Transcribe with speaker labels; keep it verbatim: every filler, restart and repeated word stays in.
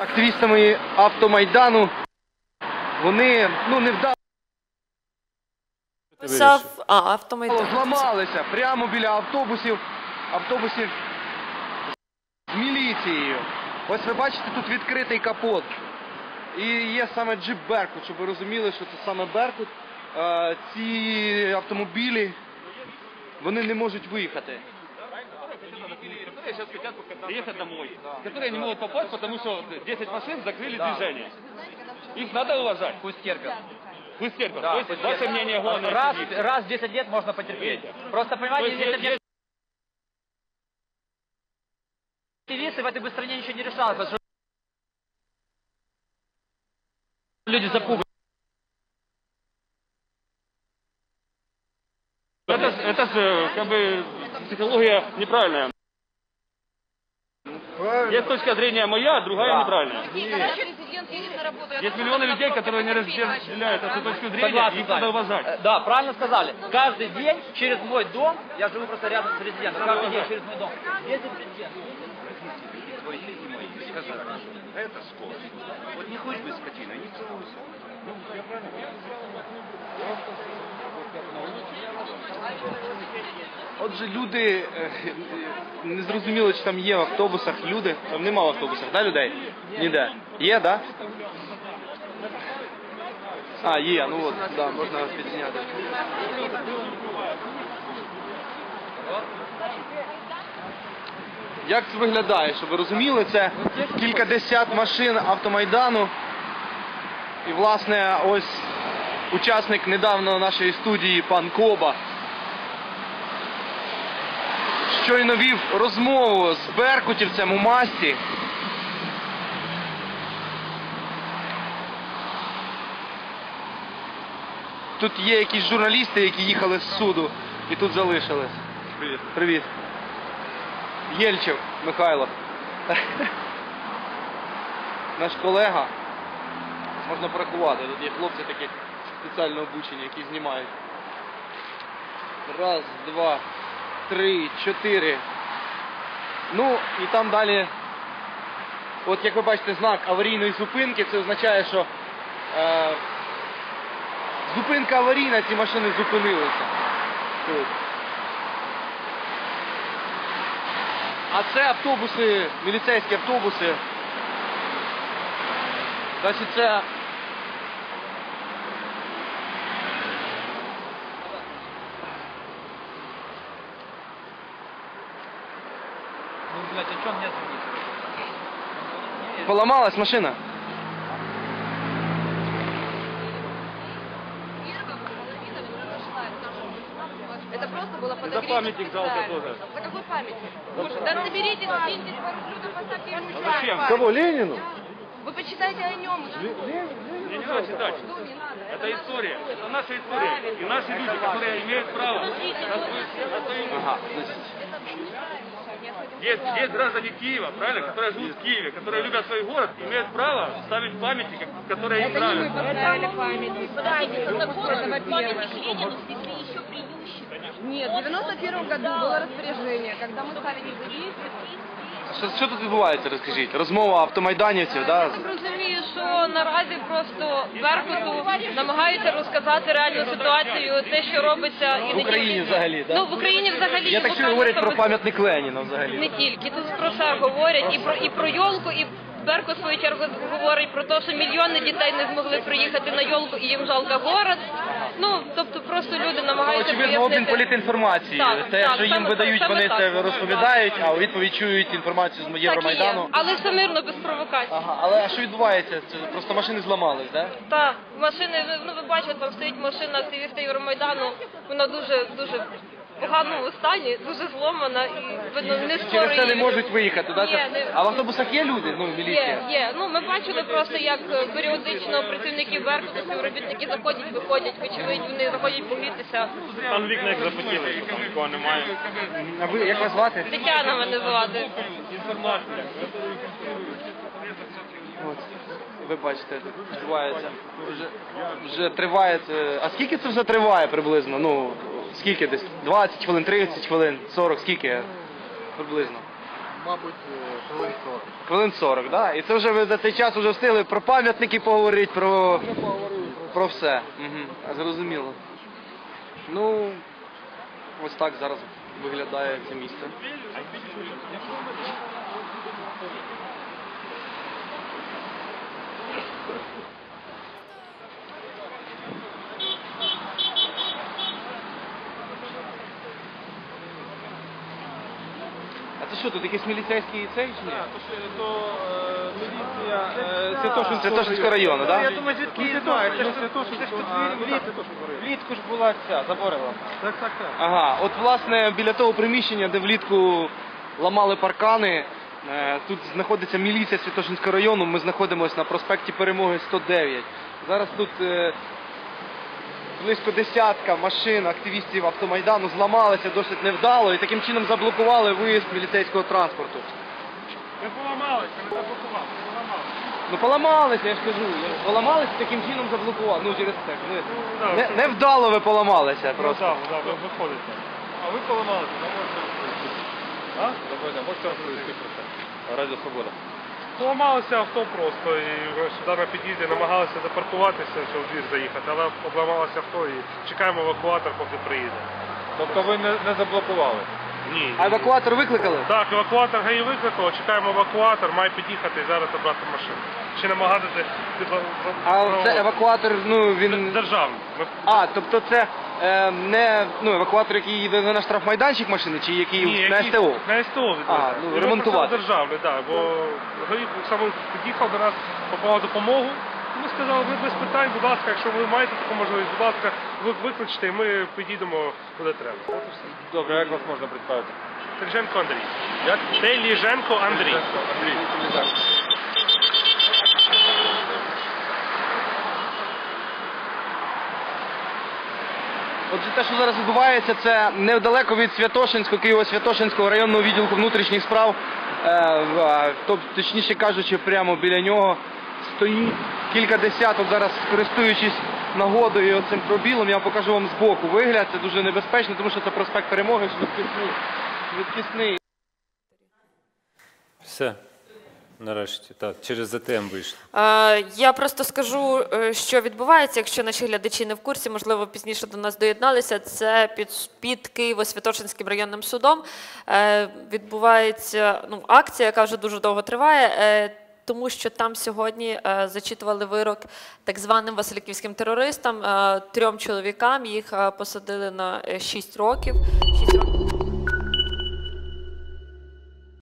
Speaker 1: активістами Автомайдану. Вони, ну, не вдало.
Speaker 2: Писав, а, Автомайдан.
Speaker 1: Зламалися прямо біля автобусів, автобусів з міліцією. Ось ви бачите, тут відкритий капот. І є саме джип Беркут, щоб ви розуміли, що це саме Беркут. Е, ці автомобілі, вони не можуть виїхати.
Speaker 3: Которые сейчас хотят приехать домой, которые не могут попасть, потому что десять машин закрыли движение. Их надо уважать.
Speaker 4: Пусть терпят.
Speaker 3: Пусть терпят.
Speaker 4: Да,
Speaker 3: То есть
Speaker 4: пусть
Speaker 3: ваше
Speaker 4: терпят.
Speaker 3: мнение главное.
Speaker 4: Раз, раз в десять лет можно потерпеть. Просто понимаете,
Speaker 3: То есть,
Speaker 4: если активисты в этой бы стране ничего не решалось, потому что люди запуганы.
Speaker 3: Это, это же как бы психология неправильная. Есть точка зрения моя, а другая
Speaker 4: Да.
Speaker 3: неправильная. Есть миллионы людей, которые не разделяют эту точку зрения,
Speaker 4: Согласен,
Speaker 3: и их надо уважать.
Speaker 4: Э, Да, правильно сказали. Каждый день через мой дом, я живу просто рядом с президентом, каждый день через мой дом. Ездит президент.
Speaker 5: Твои и мои сказали, это скотч. Вот не хоть бы скотина, не целуйся.
Speaker 1: Отже, люди, е, не зрозуміло, чи там є в автобусах люди. Там нема в автобусах, да, людей? Ніде. Є, да? А, є, ну от, да, можна підзняти. Як це виглядає, щоб ви розуміли, це кількадесят машин Автомайдану. І, власне, ось учасник недавно нашої студії, пан Коба, щойно вів розмову з беркутівцем у масці. Тут є якісь журналісти, які їхали з суду і тут залишились. Привіт. Привіт. Єльчев Михайло. Наш колега. Можна порахувати. Тут є хлопці такі спеціально обучені, які знімають. Раз, два, три, чотири. Ну, і там далі, от як ви бачите, знак аварійної зупинки, це означає, що е, зупинка аварійна, ці машини зупинилися. Тут. А це автобуси, міліцейські автобуси. Значить, це...
Speaker 4: Ну, блядь, о чем мне звонить?
Speaker 1: Поломалась машина?
Speaker 6: Это просто было
Speaker 3: За
Speaker 6: подогрето
Speaker 3: памятник жалко
Speaker 6: специально.
Speaker 3: тоже.
Speaker 6: За какой памятник? Да соберитесь, скиньтесь пару блюдов, поставьте ему чай.
Speaker 3: Зачем?
Speaker 1: Кого, Ленину?
Speaker 6: Вы почитайте о нем.
Speaker 3: Мне не надо читать.
Speaker 6: Что не надо?
Speaker 3: Это история. Это наша история. И наши люди, которые имеют право.
Speaker 1: Ага, значить.
Speaker 3: Есть, есть граждане Киева, правильно, которые живут в Киеве, которые любят свой город, имеют право ставить памятники, которые им нравятся.
Speaker 6: Поставили памятник. Это во-первых.
Speaker 7: Памятник Ленину снесли еще при Ющенко.
Speaker 6: Нет, в девяносто первом году было распоряжение, когда мы ставили завис.
Speaker 1: Що, що тут відбувається, розкажіть? Розмова автомайданівців, да?
Speaker 8: Я так розумію, що наразі просто Беркуту намагаються розказати реальну ситуацію, те, що робиться і
Speaker 1: В
Speaker 8: не
Speaker 1: Україні
Speaker 8: тільки.
Speaker 1: взагалі, да?
Speaker 8: Ну, в Україні взагалі.
Speaker 1: Я так чую, говорять про пам'ятник Леніна взагалі.
Speaker 8: Не тільки, тут про все говорять, і про, і про Йолку, і Беркут, в свою чергу, говорить про те, що мільйони дітей не змогли приїхати на Йолку, і їм жалко город. Ну, тобто просто люди намагаються
Speaker 1: Очевидно, обмін
Speaker 8: пояснити.
Speaker 1: політінформацією.
Speaker 8: Так,
Speaker 1: Те,
Speaker 8: так,
Speaker 1: що їм
Speaker 8: саме
Speaker 1: видають,
Speaker 8: так,
Speaker 1: вони
Speaker 8: саме
Speaker 1: це
Speaker 8: так.
Speaker 1: розповідають, а у відповідь чують інформацію з
Speaker 8: Так і
Speaker 1: Євромайдану.
Speaker 8: є. Але все мирно, без провокацій.
Speaker 1: Ага, але що відбувається? Це просто машини зламались, так? Да?
Speaker 8: Так, машини, ну ви бачите, там стоїть машина активіста Євромайдану, вона дуже, дуже в поганому стані, дуже зломана і видно не скоро
Speaker 1: Через це не
Speaker 8: її-
Speaker 1: можуть виїхати, так?
Speaker 8: Ні,
Speaker 1: Да?
Speaker 8: не-
Speaker 1: А в автобусах є люди? Ну,
Speaker 8: Є,
Speaker 1: міліція?
Speaker 8: є. Ну, ми бачили просто, як е, періодично працівники Беркуту, співробітники заходять, виходять, вочевидь, вони заходять погрітися.
Speaker 3: Там вікна як запотіли, там нікого немає.
Speaker 1: А ви, як вас звати?
Speaker 8: Тетяна мене звати.
Speaker 3: Інформація.
Speaker 1: От, ви бачите, тут відбувається. Вже, вже триває це. А скільки це вже триває приблизно? Ну, скільки десь? двадцять хвилин, тридцять хвилин, сорок, скільки приблизно?
Speaker 9: мабуть, хвилин сорок.
Speaker 1: Хвилин сорок, так? Да? І це вже ви за цей час вже встигли про пам'ятники поговорити, про, про все. Угу. Зрозуміло. Ну, ось так зараз виглядає це місце. А це що, тут якийсь міліцейський цей чи ні?
Speaker 9: То міліція
Speaker 1: Святошинського району, так?
Speaker 9: Я
Speaker 1: Да?
Speaker 9: думаю, звідки її знають. Це ж тут влітку ж була ця, заборила. Так, так, так.
Speaker 1: Ага, от власне біля того приміщення, де влітку ламали паркани, е, тут знаходиться міліція Святошинського району, ми знаходимося на проспекті Перемоги сто дев'ять. Зараз тут е, близько десятка машин активістів автомайдану зламалися досить невдало і таким чином заблокували виїзд міліцейського транспорту.
Speaker 9: Ми поламалися, ми заблокували, поламалися.
Speaker 1: Ну поламалися, я ж кажу, поламалися таким чином заблокували, ну через це. Ну, не, невдало ви поламалися просто.
Speaker 9: Так, так, ви виходите. А ви поламалися, не можете розповісти. А? Добре, можете розповісти про це. Радіо Свобода. Поламалося авто просто і сюди на під'їзді намагалися запаркуватися, щоб в двір заїхати, але обламалося авто і чекаємо евакуатор, поки приїде. Тобто ви не, не заблокували? Ні.
Speaker 1: А евакуатор викликали?
Speaker 9: Так, евакуатор ГАІ викликав, чекаємо евакуатор, має під'їхати і зараз забрати машину. Чи намагатися...
Speaker 1: А це евакуатор, ну він...
Speaker 9: Державний. Ми-
Speaker 1: А, тобто це е, не ну, евакуатор, який їде на штрафмайданчик машини, чи який
Speaker 9: Ні,
Speaker 1: на
Speaker 9: який-
Speaker 1: СТО?
Speaker 9: На СТО відвезли.
Speaker 1: А, ну,
Speaker 9: І ми
Speaker 1: ремонтувати.
Speaker 9: просили державний, так, бо ГАІ саме під'їхав до нас, попав допомогу. Ми сказали, ви без питань, будь ласка, якщо ви маєте таку можливість, будь ласка, ви викличте, і ми підійдемо куди треба. От і все.
Speaker 3: Добре, як вас можна представити?
Speaker 9: Теліженко Андрій. Як? Теліженко Андрій.
Speaker 3: Андрій.
Speaker 1: Отже, те, що зараз відбувається, це недалеко від Святошинського, Києво-Святошинського районного відділку внутрішніх справ. Е, в- тобто, точніше кажучи, прямо біля нього стоїть кілька десяток. Зараз, користуючись нагодою і цим пробілом, я покажу вам збоку вигляд. Це дуже небезпечно, тому що це проспект Перемоги, швидкісний. швидкісний.
Speaker 10: Все. Нарешті, так, через ЗТМ вийшли.
Speaker 2: Е, Я просто скажу, е, що відбувається, якщо наші глядачі не в курсі, можливо, пізніше до нас доєдналися. Це під, під Києво-Святошинським районним судом е, відбувається ну, акція, яка вже дуже довго триває, е, тому що там сьогодні е, зачитували вирок так званим васильківським терористам, е, трьом чоловікам, їх е, посадили на шість років. шість років.